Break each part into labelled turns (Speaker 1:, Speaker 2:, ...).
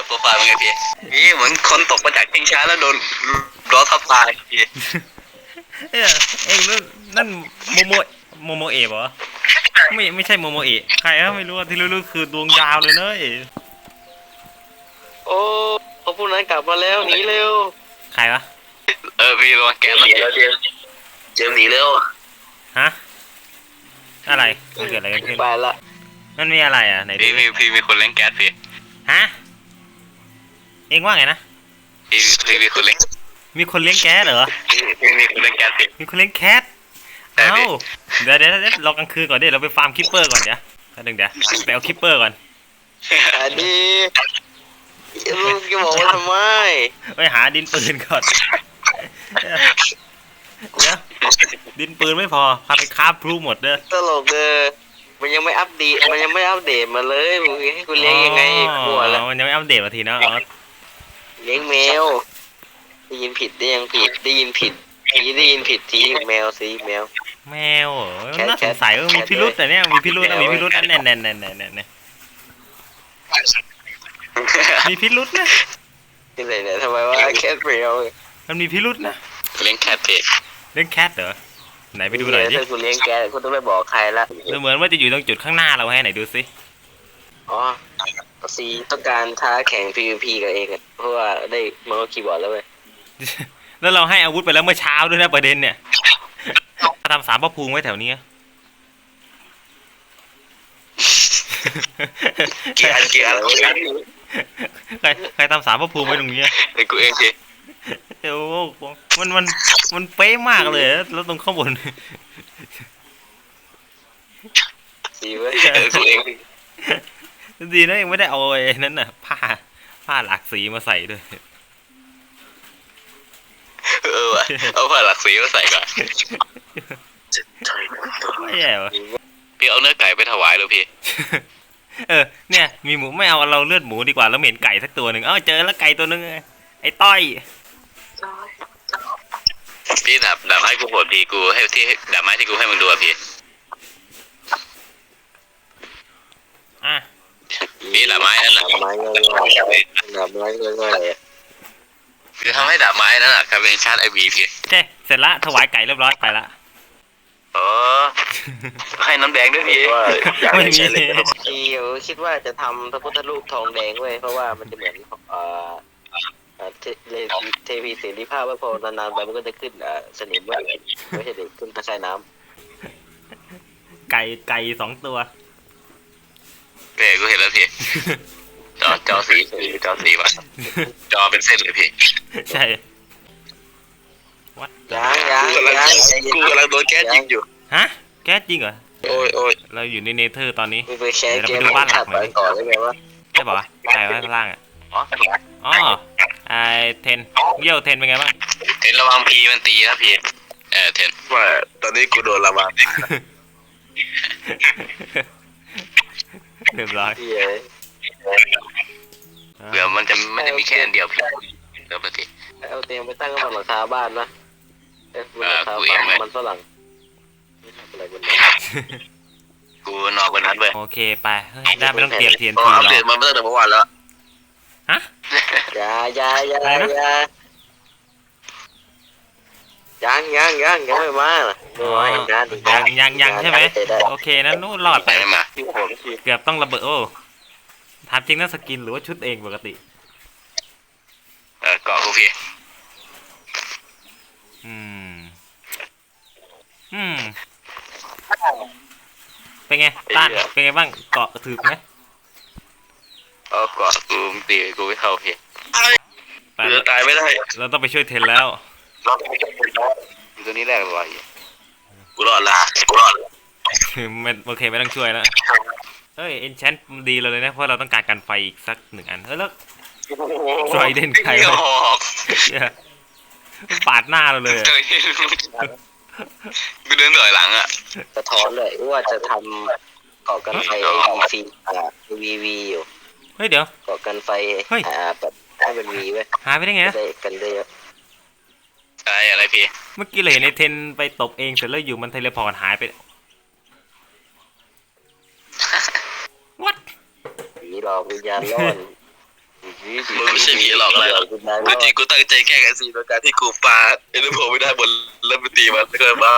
Speaker 1: โปรไฟล์เป็นไงพี่นี่เหมือนคนตกมาจากชิงช้าแล้วโดนล้อทับตายพี่
Speaker 2: เอ้ยเองนั่นโมโมเอะเหรอไม่ใช่โมโมเอะใครก็ไม่รู้ที่รู้คือดวงดาวเลยเนอะ
Speaker 1: โอ้เขาพูดนั้นกลับมาแล้วหนีเร็ว
Speaker 2: ใครวะ
Speaker 1: พี่ระวังแกมันเจมหนีเร็ว
Speaker 2: ฮะอะไรมันเกิดอะไรกันขึ้น
Speaker 1: ไปละ
Speaker 2: มันมีอะไรอ่ะไหนดู
Speaker 1: พี่มีคนเล่นแก๊สพี่
Speaker 2: ฮะเองว่าไงนะ
Speaker 1: พี่มีคนเล่น
Speaker 2: มีคนเลี้ยงแก๊สเหรอ
Speaker 1: พี่มีคนเล่นแก๊สพี่
Speaker 2: มีคนเลี้ยงแคทเอ้าเดี๋ยวรอกลางคืนก่อนเราไปฟาร์มคิปเปอร์ก่อนเดี๋ยวไปเอาคิปเปอร์ก่อน
Speaker 1: อันนี้ลูกจะบอกว่าทำไม
Speaker 2: ไปหาดินปืนก่อนเดี๋ยวดินปืนไม่พอพาไปคราฟพลูหมดเด้อ
Speaker 1: ตลกมันยังไม่อัปเดตมาเลยมึงให้กูเลี้ยงยังไงกลัวแล้ว
Speaker 2: มันยังไม่อัปเดตมาทีนะ
Speaker 1: เลี้ยงแมวได้ยินผิดทีได้ยินผิดทีแมวสิแมว
Speaker 2: น่าสงสัยว่ามีพิรุษแต่เนี่ยมีพิรุษนะแน่มีพิรุษนะ
Speaker 1: ที่ไหนเนี่ยทำไมว่าแคทแมว
Speaker 2: มันมีพิรุษนะ
Speaker 1: เลี้ยงแคทเพ
Speaker 2: เลี้ยงแคทเหรอไหนไปดูหน่อยดิ
Speaker 1: ถ้าคุณเลี้ยงแคทคุณต้องไปบอกใครละ
Speaker 2: เหมือนว่าจะอยู่ตรงจุดข้างหน้าเราให้ไหนดูสิ
Speaker 1: อ๋อซีต้องการท้าแข่ง PVP กับเองอ่ะเพราะว่าได้เมาส์คีย์บอร์ดแล้วเว้ย
Speaker 2: แล้วเราให้อาวุธไปแล้วเมื่อเช้าด้วยนะประเด็นเนี่ยทำสารพระภูมิไว้แถวนี้
Speaker 1: กี่อัน
Speaker 2: ใครทำสารพระภูมิไว้ตรงนี้
Speaker 1: ไอ้กูเองสิ
Speaker 2: เดี๋ยวมันเป๊ะมากเลยแล้วตรงข้างบน
Speaker 1: ดีเว้ยกูเอง
Speaker 2: ดีนะยังไม่ได้เอาไอ้นั้นน่ะผ้าหลากสีมาใส่ด้วย
Speaker 1: ว่ะเอาผ้าหลากสีมาใส่ก่อน
Speaker 2: ไม่แย่วะ
Speaker 1: พี่เอาเนื้อไก่ไปถวายเลยพี่
Speaker 2: เนี่ยมีหมูไม่เอาเราเลือดหมูดีกว่าแล้วเหม็นไก่สักตัวหนึ่งเจอแล้วไก่ตัวนึงไอ้ต้อย
Speaker 1: พี่ดับให้กูโหดพี่กูให้ที่ดับไม้ที่กูให้มึงดูพี่พี่ดับไม้นั่นแหละดับไม้ง่ายคือทำให้ดับไม้นั่นแหละครับเป็นชาร์จไอวีพี่
Speaker 2: ใช่เสร็จละถวายไก่เรียบร้อยไปละ
Speaker 1: ให้น้ำแดงด้วยพี่
Speaker 2: ไม่มี
Speaker 1: พี่คิดว่าจะทำพระพุทธรูปทองแดงเว้ยเพราะว่ามันจะเหมือนเทพีเสรีภาพว่าพอนานๆไปมันก็จะขึ้นสนิมว่าไม่ใช่เด็กขึ้นกระชายน้
Speaker 2: ำไก่2 ตัว
Speaker 1: กูเห็นแล้วพี่จอสีว่ะจอเป็นเส้นเลยพี่
Speaker 2: ใช่
Speaker 1: วัดยังกูกำลังโดนแก๊สยิงอยู่
Speaker 2: ฮะแก๊สจริงเหรอ
Speaker 1: โอ้ย
Speaker 2: เราอยู่ในเนเธอร์ตอนนี้
Speaker 1: เราไปดูบ้านหลักหน่อยต่อได้ไหมวะ
Speaker 2: ใช่ป่ะใช่ข้างล่างอ๋อไอเทนเยี่ยวเทนเป็นไงบ้าง
Speaker 1: เทนระวังพีมันตีนะพี่เทนว่าตอนนี้กูโดนระวัง
Speaker 2: เรียบร้อย
Speaker 1: เดี๋ยวมันจะไม่ได้มีแค่อันเดียวพี่เดี๋ยวไปทีเอาเตียงไปตั้งบนหลังคาบ้านนะบนหลังคาบ้านมันฝรั่งอะไรบนนั้นกูนอนบนนั้นเลย
Speaker 2: โอเคไปได้ไม่ต้องเตรียมเทียนที
Speaker 1: หรอกเตรียมมันตั้งแต่เมื่อวานแล้ว
Speaker 2: ฮะ
Speaker 1: อย่ายังไม่มา
Speaker 2: ยังใช่ไหมโอเคนะนู้นรอดไปเกือบต้องระเบิดโอ้ถามจริงนะสกินหรือว่าชุดเองปกติ
Speaker 1: เกาะกูพี่
Speaker 2: เป็นไงต้านเป็นไงบ้างเกาะถือไหม
Speaker 1: เกาะกูตีกูไม่เข้าพี่ตายไม่ได้
Speaker 2: เราต้องไปช่วยเทนแล้ว
Speaker 1: ตัวนี้แรกเลยกูรอด
Speaker 2: ไม่โอเคไม่ต้องช่วยแล้วเฮ้ยเอนแชนดีเลยนะเพราะเราต้องการกันไฟอีกสัก1 อันแล้วไฟเด่นใครวะปาดหน้าเราเลย
Speaker 1: กูเดินถอยหลังอ่ะสะท้อนเลยว่าจะทำเกาะกันไฟวีอยู่
Speaker 2: เฮ้ยเดี๋ยว
Speaker 1: เกาะกันไฟแบบให้เป็นวีไว้
Speaker 2: หายไปได้ไง
Speaker 1: กันได้อะไรพี่
Speaker 2: เมื่อกี้เลยในเทนไปตบเองเสร็จแล้วอยู่มันเทเลพอร์ตหายไปวัด
Speaker 1: ผีหลอกวิญญาณร้อนผีไม่ใช่ผีหลอกอะไรหรอกจริงกูตั้งใจแก้กันซีโดยการที่กูปาเอ็นโฟไม่ได้บนแล้วมันตีมันแล้วก็มา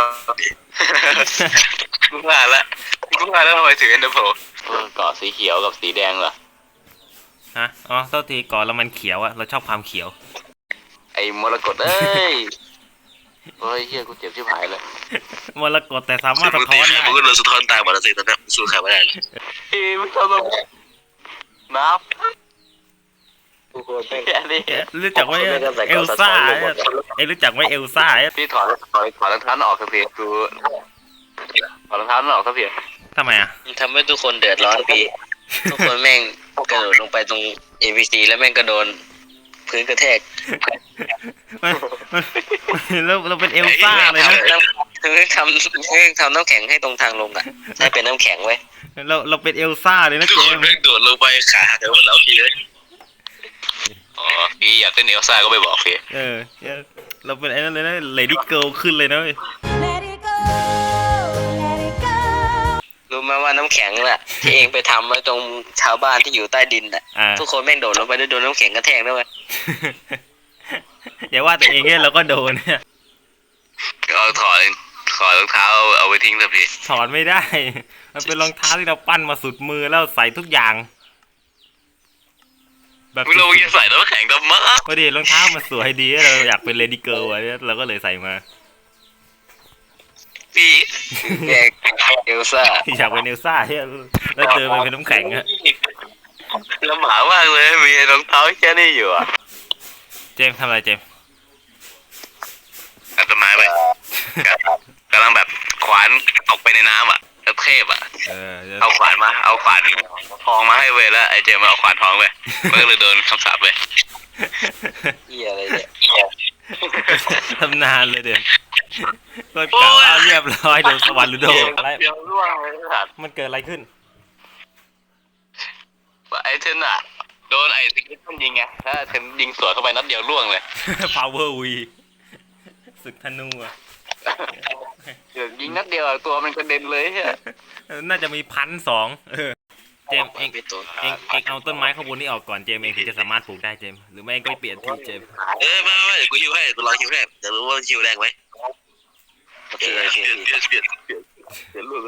Speaker 1: กูผ่านละทำไมถึงเอ็นโฟเกาะสีเขียวกับสีแดงเหรอ
Speaker 2: ฮะอ๋อโทษทีก่อนแล้วมันเขียวอะเราชอบความเขียว
Speaker 1: ไอ้มรกตเอ้ยเฮ้ยเฮียกูเจ็บชิบหายเลย
Speaker 2: มรกตแต่สามารถสะท้อนได้
Speaker 1: มึงก็โดนสะท้อนตายหมดแล้วสิตอนนี้สู้ใครไม่ได้เลยมึงทำแบบน้ำ
Speaker 2: รู้จักไหมเอลซ่ารู้จักไหมเอลซ่า
Speaker 1: พี่ถอดรองเท้าออกสักเพียกูถอดรองเท้าออกสักเพีย
Speaker 2: ทำไมอะ
Speaker 1: ทำให้ทุกคนเดือดร้อนพี่ทุกคนแม่งกระโดดลงไปตรง ABC แล้วแม่งก็โดนพื้นกระแทก
Speaker 2: เราเป็นเอลซ่าเลยนะ
Speaker 1: คือทำน้ำแข็งให้ตรงทางลงอ่ะให้เป็นน้ำแข็งไว้
Speaker 2: เราเป็นเอลซ่าเลยนะ
Speaker 1: ทุก
Speaker 2: เจ
Speaker 1: คน
Speaker 2: ม
Speaker 1: แม่งโดดลงไปขาหักหมดแล้วพี่เลยอ๋อพี่อยากเต้นเอลซ่าก็ไปบอกพี่
Speaker 2: เราเป็นไอ้นั่นเลยนะเลดี้เกิร์ลขึ้นเลยนะ
Speaker 3: Let it go, let it go.
Speaker 1: รู้ไหมว่าน้ำแข็งน่ะที่เองไปทำไว้ตรงชาวบ้านที่อยู่ใต้ดินน่ะทุกคนแม่งโดดลงไปโดนน้ำแข็งกระแทกด้วย
Speaker 2: อย่าว่าแต่เองเนี่ยเราก็โดนเนี่ย
Speaker 1: เอาถอดรองเท้าเอาไปทิ้งเถอะพี่
Speaker 2: ถอนไม่ได้ มันเป็นรองเท้าที่เราปั้นมาสุดมือแล้วใส่ทุกอย่างแบบ
Speaker 1: ไม่รู้จะใส่น้ำแข็งทำไม
Speaker 2: พอดีรองเท้ามันสวยดีเราอยากเป็นเลดี้เกิร์ลไว้เราก็เลยใส่มา
Speaker 1: พี่แกเอลซ่า
Speaker 2: อยากเป็นเอลซ่าเนี่ยแล้วเจอมันเป็นน้ำแข็งอะ
Speaker 1: ลำบากมากเลยมีรองเท้าแค่นี้อยู่อ่ะ
Speaker 2: เจมส์ทำอะไรเจมส์
Speaker 1: ตัดต้นไม้ไปกำลังแบบขวานออกไปในน้ำอ่ะแล้วเทพอ่ะเอาขวานทองมาให้เว้ยแล้วไอ้เจมมาเอาขวานทองไปมันก็เลยโดนคำสาปไปเหี้ยอะไรเนี่ย
Speaker 2: ทำนานเลยเดี๋ยวก็กล่าวว่าเรียบร้อยโดนสวรรค์ลูโดมันเกิดอะไรขึ้น
Speaker 1: ไอ้เทนอ่ะโดนไอ้สกิลตันยิงไงถ้าเทนยิงสวนเข้าไปนัดเดียวล่วงเลย
Speaker 2: power v ศึกธนูอะ
Speaker 1: ยิงนัดเดียวตัวมันกระเด็นเลยฮะ
Speaker 2: น่าจะมี1,200เจมส์เองเอาต้นไม้ข้างบนนี้ออกก่อนเจมส์เองถึงจะสามารถปลูกได้เจมส์หรือไม่เองก็เปลี่ยนที่เจมส์
Speaker 1: ไม่เดี๋ยวกูฮิวให้กูรอฮิวให้จะรู้ว่าฮิวแรงไหมโอเคเปลี่ยนลูก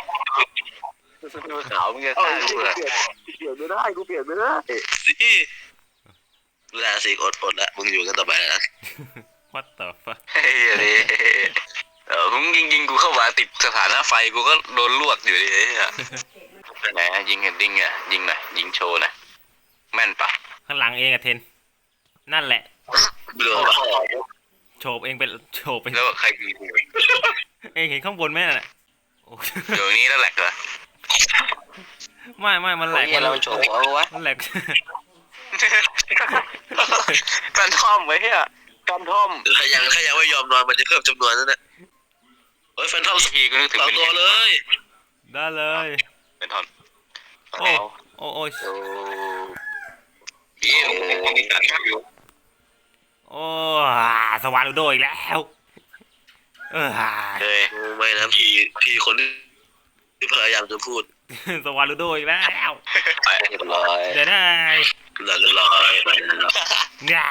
Speaker 1: ขาวมึงจะฆ่ากูเหรอเปลี่ยนไม่ได้กูเปลี่ยนไม่ได้สิเวลาสิอดละมึงอยู่กันต่อไปนะ
Speaker 2: what the fuck
Speaker 1: เฮ้ยอะไรมึงยิงกูเข้ามาติดสถานะไฟกูก็โดนลวกอยู่ดิไหนยิงเห็นดิงอ่ะยิงหน่อยยิงโชว์หน่อยแม่นปะ
Speaker 2: ข้างหลังเองอะเทนนั่นแหละ
Speaker 1: เรือปะ
Speaker 2: โฉบเองเป็นโฉบเป็น
Speaker 1: แล้วใครยิงกู
Speaker 2: เองเห็นข้างบนไหมน่ะ
Speaker 1: เดี๋ยวนี้แล้วแหละเหรอ
Speaker 2: ไม่มันแหลก
Speaker 1: เราโชว์วะ
Speaker 2: มันแหลก
Speaker 1: การท่อมไว้เฮียการท่อมถ้ายังไม่ยอมนอนมันจะเพิ่มจำนวนนั่นแหละเฮ้ยแฟนทอมทีก็นึกถึงเป็นตัวเลย
Speaker 2: ได้เลย
Speaker 1: เป็นทอม
Speaker 2: โอ้โอ้สวรรค์ลูโดอีกแล้ว
Speaker 1: ไม่นะพี่คนที่พยายามจะพูด
Speaker 2: สวรรค์ลูโดอีกแล้ว
Speaker 1: ไปเรียบร้อย
Speaker 2: เดี๋ยวได้เนี่ย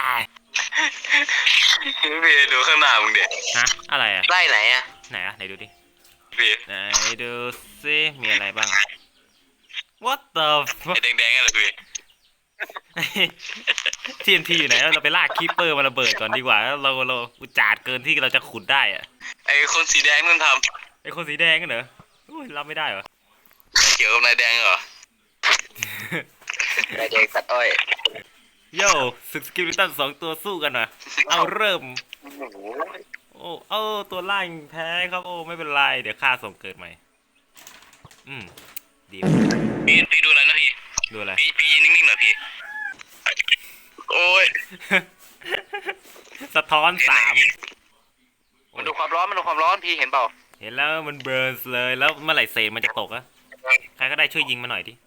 Speaker 1: พี่ดูข้างหน้ามึงเด็ก
Speaker 2: ฮะอะไรอะ
Speaker 1: ไล่ไหนอะ
Speaker 2: ไหนอะไหนดูดิ
Speaker 1: พี่
Speaker 2: ไหนดูซิมีอะไรบ้าง what the fuck
Speaker 1: แดงๆอะไรพี่
Speaker 2: TNT อยู่ไหนเราไปลากคีปเปอร์มาระเบิดก่อนดีกว่าเราอุจาดเกินที่เราจะขุดได้อะ
Speaker 1: ไอคนสีแดงนั่นท
Speaker 2: ไอคนสีแดงกันเหรออุ้ยรับไม่ได้เหรอ
Speaker 1: ำเกี่ยวกับนายแดงเหรอนายแดงตัดอ้อย
Speaker 2: โย่ศึกสกิลตัน2ตัวสู้กันหน่อยเอาเริ่มตัวล่างแพ้ครับไม่เป็นไรเดี๋ยวค่าส่งเกิดใหม่ดี
Speaker 1: พี่ดูอะไรนะพี่
Speaker 2: ดูอะไร
Speaker 1: พี่นิ่งๆหน่อยพี่โอ้ย
Speaker 2: สะท้อน3
Speaker 1: มันดูความร้อนพี่เห็นเปล่า
Speaker 2: เห็นแล้วมันเบิร์นเลยแล้วเมื่อไหร่เศษมันจะตกอะใครก็ได้ช่วยยิงมาหน่อยดิ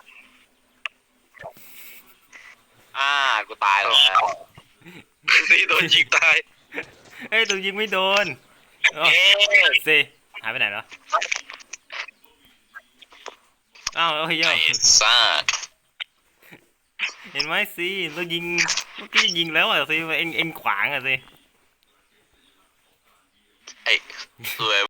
Speaker 1: กูตายแล้วนี่โดนยิงตาย
Speaker 2: เฮ้ยตัวยิงไม่โดนสิหายไปไหนแล้วอ้าวเฮ้ย
Speaker 1: ซ่า
Speaker 2: เห็นไหมสิเรายิงเมื่อกี้ยิงแล้วอ่ะสิเอ็งขวางอ่ะสิ
Speaker 1: ไอ้สวย